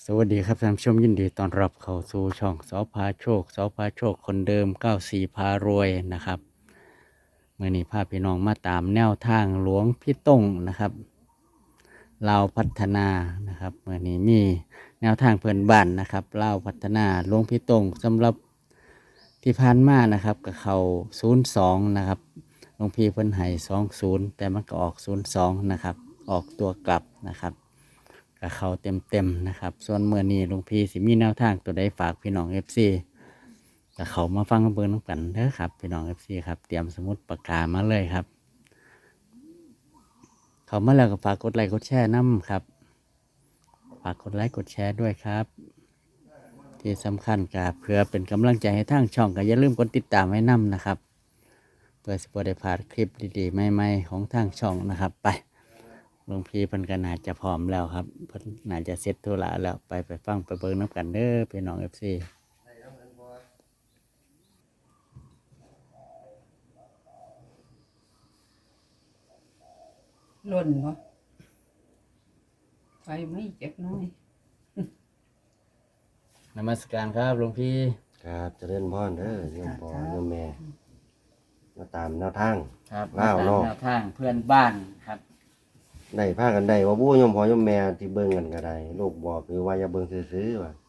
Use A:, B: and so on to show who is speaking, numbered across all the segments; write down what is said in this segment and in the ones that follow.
A: สวัสดีครับท่านผู้ชมยินดีต้อนรับเข้าสู่ช่องสอพาโชคคนเดิม94พารวยนะครับเมื่อนี้พาพี่น้องมาตามแนวทางหลวงพี่ต้งนะครับลาวพัฒนานะครับเมื่อนี้มีแนวทางเพื่อนบ้านนะครับลาวพัฒนาหลวงพี่ต้งสำหรับที่ผ่านมานะครับกับเขา02นะครับหลวงพี่เพิ่นให้20แต่มันก็ออก02นะครับออกตัวกลับนะครับกับเขาเต็มนะครับส่วนเมื่อนี้หลวงพี่สิมีแนวทางตัวใดฝากพี่น้องFC กับเขามาฟังเบอร์น้ำกันเด้อครับพี่น้องFC ครับเตรียมสมุดปากกามาเลยครับเขามาแล้วก็ฝากกดไลค์กดแชร์น้ำครับฝากกดไลค์กดแชร์ด้วยครับที่สำคัญกับเพื่อเป็นกำลังใจให้ทางช่องก็อย่าลืมกดติดตามไว้น้ำนะครับเพื่อสิบได้พลาดคลิปดีๆใหม่ๆของทางช่องนะครับไปหลวงพี่เพิ่นก็น่าจะพร้อมแล้วครับเพิ่นน่าจะเสร็จธุระแล้วไปฟังไปเบิ่งน้ำกันเด้อพี่น้องFC
B: หล่นบ่ไฟไหม้จักหน้อย
A: นมัสการครับหลวงพี่
C: ครับเจริญพรเด้อโยมพ่อโยมแม่มาตามแนวทาง
A: ครับ
C: ว้าว
A: ตาม
C: เนาะ
A: แนวทางเพื่อนบ้านครับ
C: ได้พากันได้ว่าบู้โยมพ่อโยมแม่ที่เบิ่งกันก็ได้ลูกบอกคือว่าอย่าเบิ่งซื่อๆว่า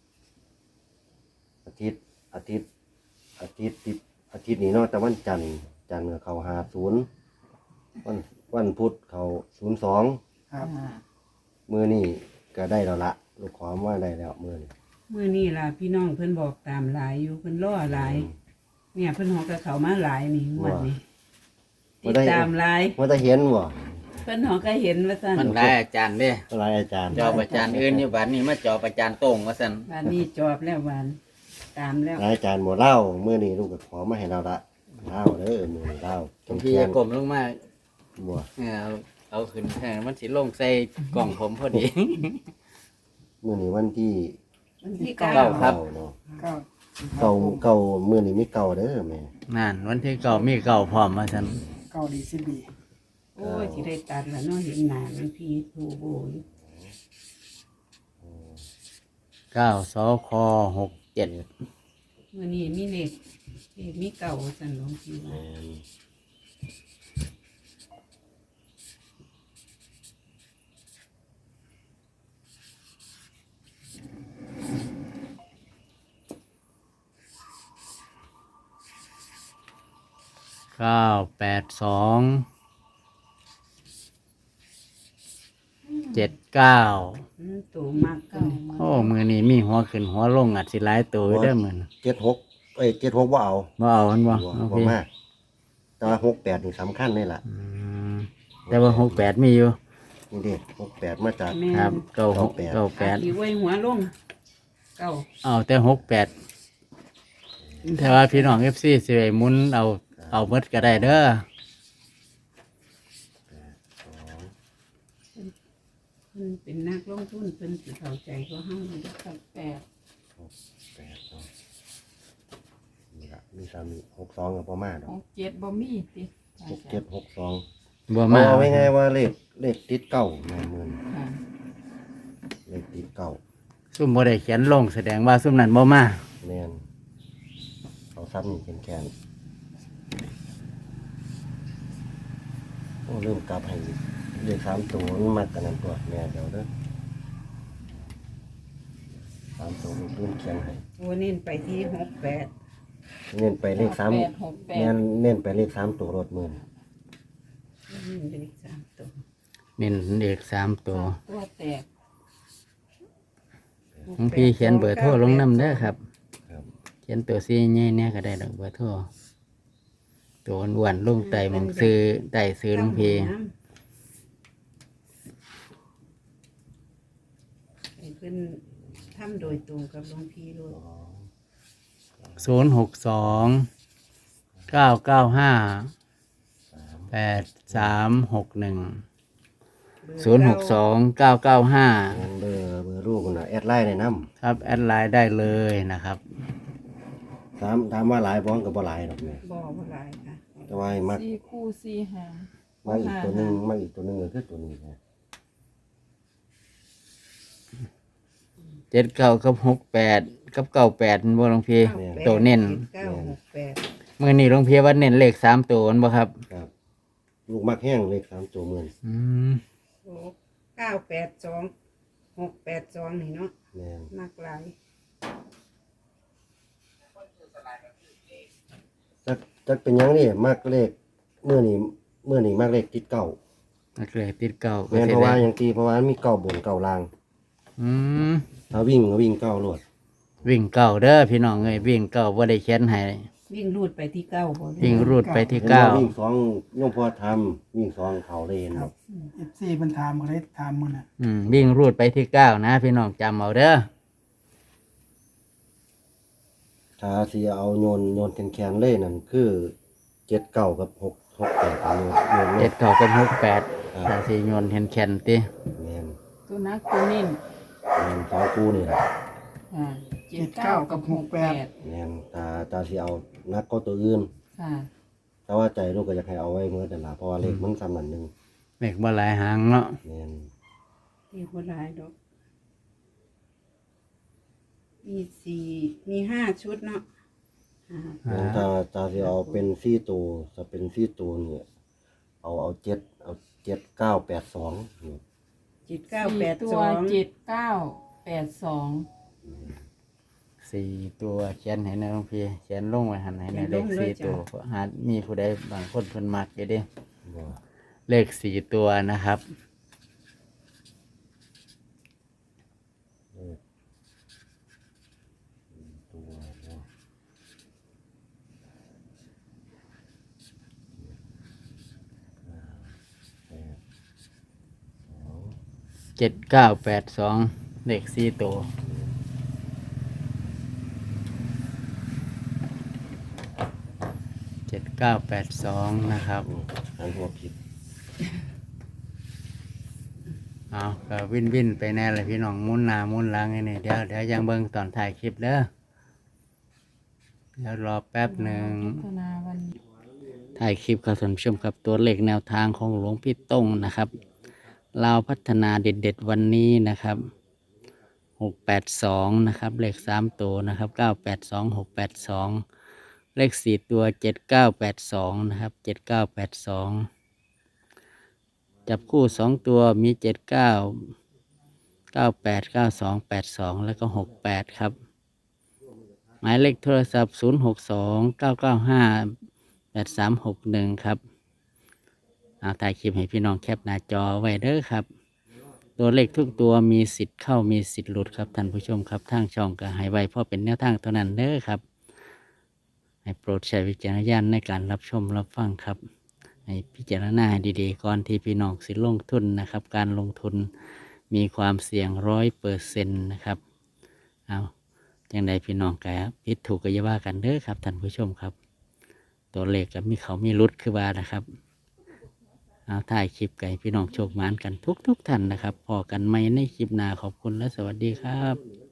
C: อาทิตย์อาทิตย์อาทิตย์ติดอาทิตย์นี้เนาะแต่วันจันทร์ก็เข้า50วันพุธเข้า02
B: ครับ
C: มื้อนี้ก็ได้แล้วละลูกขอมาได้แล้วมื้อนี้
B: มื้อนี้ล่ะพี่น้องเพิ่นบอกตามหลายอยู่เพิ่นรอหลาย เนี่ยเพิ่นฮอกกับเขามาหลายนี่งวดนี้ติดตามหลาย
C: ว่าจะเห็นบ่
B: เพิ่นฮอกก็เห็นว่าซั่น
A: มันได้อาจารย์เด้
C: อะไรอาจารย์
A: จอบอาจารย์อื่นอยู่บ้านนี้มาจอบอาจารย์โต้งว่าซั่น
B: บ้านนี้จอบแล้วหวานตามแล้ว
C: อาจารย์บ่เล่ามื้อนี้ลูกก็ขอมาให้เราละเล่าเด้อมื้อนี้เล่า
A: หลวงพี่อย่ากลมลงมา
C: บ่
A: เอาขึ้นแทนมันสิลงใส่กล่องผมพอดี
C: มื้อนี้วันที่
B: วันที่
A: เก้า
B: เก้า
A: ครับ
C: เนาะ
B: เก้า
C: เก่ามื้อนี้มีเก่าเด้อแม่
A: นั่นวันที่เก่ามีเก่าพร้อมมาซั่น
B: เก้าดีสิบีโอ้ยสิได้ตัดแล้วเนาะเห็นหน้ามันพี่ทูโบอยู่
A: 9สค67
B: มื้อนี้มีเลขมีเก้าซั่นหลวงพี่ว่า
C: แม่น
A: 982 79
B: ตัวมากเก้า
A: โอ้มือนี้มีหัวขึ้นหัวลงอาจสิหลายตัวอยู่เด้อมื้อนี้
C: 7676บ่เอา
A: บ่เอามันบ่
C: บ่
A: หลวง
C: บ่
A: พี่
C: มาแต่ว่า68นี่สำคัญเลยล่ะ
A: อืมแต่ว่า68มีอยู่
C: นี่เด้68มาจาก
B: แม่
A: ครับ
B: น
A: 98
B: ที่ไว้หัวลงเก้า
A: เอาแต่68แต่ว่าพี่น้อง FC สิไปหมุนเอาหมดก็ได้เด้อ
B: เพิ่นเป็นนักลงทุนเพิ่นสิเข้าใจก็เฮาอยู่กับ8
C: 8เนาะนี่ล่ะมีซ้ำนี่62ก็บ่มาดอก
D: 67บ่มีติ
C: 67 62
A: บ่มา
C: เอาไว้ไงว่าเลขติดเก่าแม่นมื้อนี้
D: ค่ะ
C: เลขติดเก่า
A: ซุ่มบ่ได้เขียนลงแสดงว่าซุ่มนั้นบ่มา
C: แม่นเอาซ้ำนี่แข็งๆโอ้เริ่มกลับให้เลข3ตัวมันมักกันนั่นตัวแม่เดี๋ยวเด้อ3ตัวมันเขียนให้
B: โอ้เน้นไปที่68
C: เน้นไปเลข3
D: 868
C: เน้นไปเลข3ตัวรถมือ
B: เน้นเลข3ตัว
A: เน้นเด็ก3ตัว
D: ตัวแตก
A: หลวงพี่เขียนเบอร์โทรลงนำเด้อครับ
C: ครับ
A: เขียนตัวซีใหญ่เนี่ยก็ได้ดอกเบอร์โทรตัวอ้วนๆลงไตหมองซื้อได้ซื้อหลวงพี่
B: ให้เพิ่นทำโดยตรงกับหลวงพี่โลด
A: 062 995 8361 062 995
C: งั้นเบอร์ลูกน่ะแอดไลน์ในน้
A: ครับแอดไลน์ได้เลยนะครับ
C: ำถามว่าหลายบ้องกับบ่หลายดอกแม่
B: บ่บ่หลายค่ะ
C: แต่ว่าให้มัก
D: 4คู่4หาง
C: อีกตัวหนึงมักอีกตัวหนึงก็คือตัวนี้นะ
A: 79กับ68กับ98มันบ่หลวงพี่
B: 98
A: ตัวเน้น
B: 7968
A: มื้อนี้หลวงพี่ว่าเน้นเลข3ตัวมันบ่ครับ
C: ครับลูกมักแห้งเลข3ตัวเหมือน
A: อืม
B: โอ้982 682นี่เนาะ
C: แม่น
B: มากหลาย
C: จักเป็นหยังนี่มักเลขเมื่อนี้มักเลขติดเก้า
A: นักเลขติดเก้าก็
C: แม่น
A: สิ
C: เพราะว่า
A: ได้
C: อย่างที่เพราะว่ามันมีเก้าบนเก้าล่าง
A: อืม
C: ถ้าวิ่งก็วิ่งเก้าโลด
A: วิ่งเก้าเด้อพี่น้องเอ้ยวิ่งเก้าบ่ได้เขียนให้
B: วิ่งรูดไปที่9บ่
A: วิ่งรูดไปที่
C: เห็น
A: เก้า
C: ว่าวิ่ง2โยมพ่อทำวิ่ง2เขาเลยเห็นบ่
E: FC เพิ่นถามก็เลยถามมันน่ะ
A: วิ่งรูดไปที่เก้านะพี่น้องจำเอาเด้อ
C: ถ้าสิเอาโยนแคนๆเลยนั่นคือ79กับ668โยนเล
A: เจ็
C: ย
A: ดเก้ากับ68
C: ครับ
A: ถ้าสิโยนเห็นแคนติ
C: แม่น
D: ตัวนักตัวเน้น
C: แม่นสองคู่นี่แหละ
D: อ่า79กับ68
C: แม่นตาสิเอานักก็ตัวอื่น
D: ค่ะ
C: แต่ว่าใจลูกก็อยากให้เอาไว้เมื่อแต่นละเพราะว่าเลขมันซ้ำนั่นหนึง
A: เลขบ่หลายหางเนาะ
C: แม่น
B: ที่บ่หลายดอกมี5ชุดเนาะอ่า
C: แม่นตาสิเอาเป็น4ตัวถ้าเป็น4ตัวเนี่ยเอา7982นี่
D: สี่ตัว
B: 7982
D: 7982
A: สี่ตัวเขียนให้นะหลวงพี่เขียนลงไว้หันให้ในเลขสี่ตัวเพราะหามีผู้ใดบางคนเพิ่นมักอยู่เด้
C: บ่
A: เลขสี่ตัวนะครับ
C: ตัวเนาะ
A: 7982เลขสี่ตัว7982นะครับ
C: อันหัวผิด
A: เอาก็วินไปแน่เลยพี่น้องหมุนหน้าหมุนหลังไอ้นี่เดี๋ยวยังเบิ่งตอนถ่ายคลิปเด้อเดี๋ยวรอแป๊บหนึ่ง
D: พัฒนาวันนี้
A: ถ่ายคลิปครับท่านผู้ชมครับตัวเลขแนวทางของหลวงพี่ต้งนะครับลาวพัฒนาเด็ดๆวันนี้นะครับ682นะครับเลข3ตัวนะครับ982 682เลข4ตัว7982นะครับ7982จับคู่2ตัวมี79 98 92 82แล้วก็68ครับหมายเลขโทรศัพท์062 995 8361ครับเอาถ่ายคลิปให้พี่น้องแคปหน้าจอไว้เด้อครับ ตัวเลขทุกตัวมีสิทธิ์เข้ามีสิทธิ์หลุดครับท่านผู้ชมครับทางช่องก็ให้ไว้เพราะเป็นแนวทางเท่านั้นเด้อครับ ให้โปรดใช้วิจารณญาณในการรับชมรับฟังครับ ให้พิจารณาให้ดีๆก่อนที่พี่น้องสิลงทุนนะครับ การลงทุนมีความเสี่ยง100%นะครับเอาจังใดพี่น้องก็ผิดถูกก็อย่าว่ากันเด้อครับท่านผู้ชมครับ ตัวเลขก็มีเขามีรุดคือว่านะครับเอาถ่ายคลิปไก่พี่น้องโชคหมานกันทุกท่านนะครับพอกันไหมในคลิปหน้าขอบคุณและสวัสดีครับ